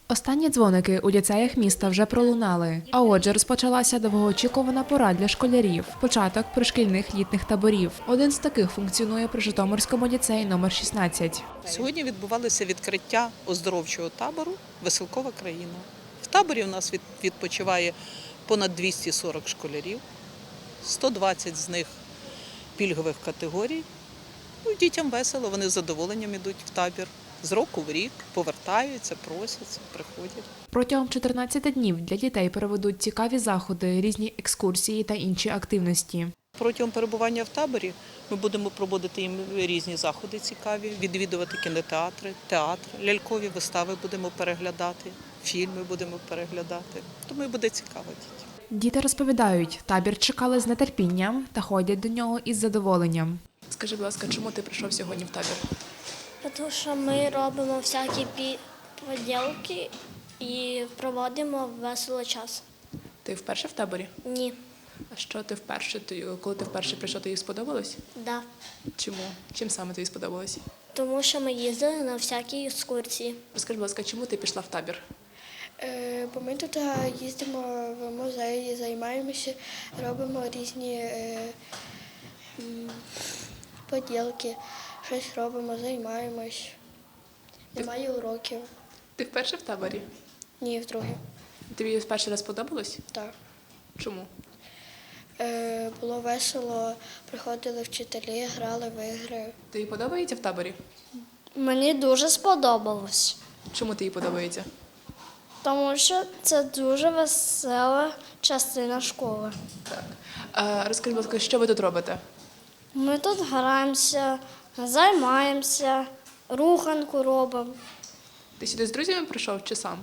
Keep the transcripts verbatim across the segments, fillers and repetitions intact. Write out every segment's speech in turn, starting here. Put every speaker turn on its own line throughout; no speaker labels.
Останні дзвоники у ліцеях міста вже пролунали. А отже, розпочалася довгоочікувана пора для школярів – початок пришкільних літніх таборів. Один з таких функціонує при Житомирському ліцеї номер шістнадцять.
Сьогодні відбувалося відкриття оздоровчого табору «Веселкова країна». В таборі у нас відпочиває понад двісті сорок школярів, сто двадцять з них пільгових категорій. Ну, дітям весело, вони з задоволенням йдуть в табір. З року в рік повертаються, просяться, приходять.
Протягом чотирнадцяти днів для дітей проведуть цікаві заходи, різні екскурсії та інші активності.
Протягом перебування в таборі ми будемо проводити їм різні заходи цікаві, відвідувати кінотеатри, театр, лялькові вистави будемо переглядати, фільми будемо переглядати. Тому і буде цікаво дітям.
Діти розповідають, табір чекали з нетерпінням та ходять до нього із задоволенням.
Скажи, будь ласка, чому ти прийшов сьогодні в табір?
Тому що ми робимо всякі поділки і проводимо весело час.
Ти вперше в таборі?
Ні.
А що ти вперше? Ти, коли ти вперше прийшов, тобі сподобалось?
Да.
Чому? Чим саме тобі сподобалось?
Тому що ми їздили на всякі екскурсії.
Розкажи, будь ласка, чому ти пішла в табір?
Е, Бо ми тут їздимо в музеї, займаємося, робимо різні е, м, поділки, щось робимо, займаємось. Немає уроків.
Ти вперше в таборі?
Ні, вдруге.
Тобі перший раз сподобалось?
Так.
Чому?
Е, Було весело, приходили вчителі, грали в ігри.
Тобі подобається в таборі?
Мені дуже сподобалось,
Чому тобі подобається?
тому що це дуже весела частина школи.
Так. А, розкажи, будь ласка, що ви тут робите?
Ми тут граємося, займаємося, руханку робимо.
Ти сюди з друзями прийшов чи сам?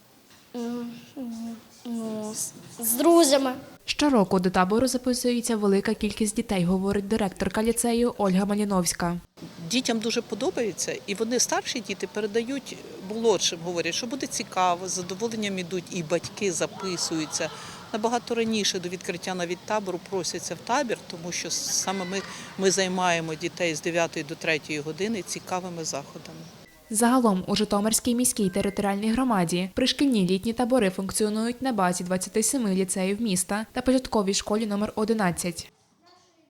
Ну, з- з друзями.
Щороку до табору записується велика кількість дітей, говорить директорка ліцею Ольга Маліновська.
Дітям дуже подобається, і вони, старші діти, передають молодшим, говорять, що буде цікаво, з задоволенням ідуть, і батьки записуються. Набагато раніше до відкриття навіть табору просяться в табір, тому що саме ми, ми займаємо дітей з дев'ятої до третьої години цікавими заходами.
Загалом у Житомирській міській територіальній громаді пришкільні літні табори функціонують на базі двадцяти семи ліцеїв міста та початковій школі номер одинадцять.